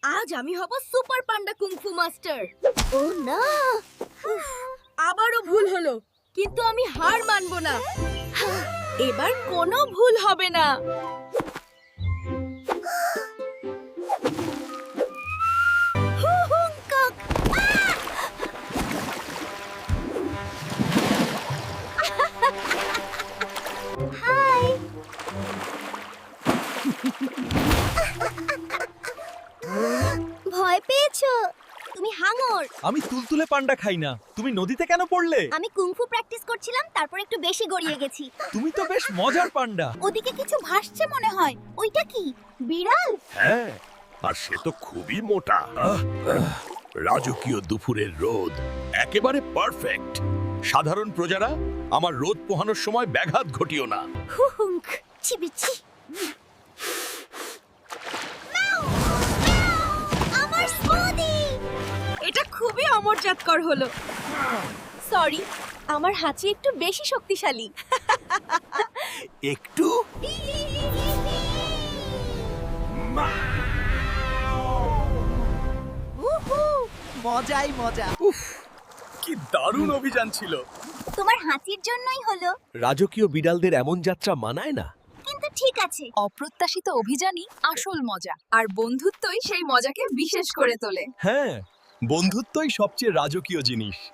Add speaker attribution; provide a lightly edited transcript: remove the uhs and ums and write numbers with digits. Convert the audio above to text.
Speaker 1: আজ আমি হব সুপার পান্ডা কুংফু মাস্টার।
Speaker 2: ও না,
Speaker 1: আবারও ভুল হলো, কিন্তু আমি হার মানবো না। এবার কোনো ভুল হবে না।
Speaker 2: হুহুঙ্কক। হাই। ভয় পেয়েছো? তুমি হাঙর।
Speaker 3: আমি তুলতুলে পান্ডা খাই না। তুমি নদীতে কেন পড়লে?
Speaker 2: আমি কুংফু প্র্যাকটিস করছিলাম, তারপর একটু বেশি গড়িয়ে গেছি।
Speaker 3: তুমি তো বেশ মজার পান্ডা।
Speaker 2: ওদিকে কিছু ভাসছে মনে হয়। ওইটা কি? বিড়াল?
Speaker 4: হ্যাঁ, আর সে তো খুবই মোটা। রাজকীয় দুপুরের রোদ একেবারে পারফেক্ট। সাধারণ প্রজারা, আমার রোদ পোহানোর সময় ব্যাঘাত ঘটিও না।
Speaker 2: হুহুঙ্ক। চিবিচি। আমার স্মুদি।
Speaker 1: এটা খুবই অমরজাতকর হলো। সরি, আমার হাঁচি একটু বেশি শক্তিশালী।
Speaker 4: একটু
Speaker 3: মজাই মজা।
Speaker 4: কি দারুণ অভিযান ছিল।
Speaker 2: তোমার হাঁচির জন্যই হলো,
Speaker 3: রাজকীয় বিড়ালদের এমন যাত্রা মানায় না।
Speaker 2: কিন্তু ঠিক আছে।
Speaker 1: অপ্রত্যাশিত অভিযানই আসল মজা, আর বন্ধুত্বই সেই মজাকে বিশেষ করে তোলে।
Speaker 3: হ্যাঁ, বন্ধুত্বই সবচেয়ে রাজকীয় জিনিস।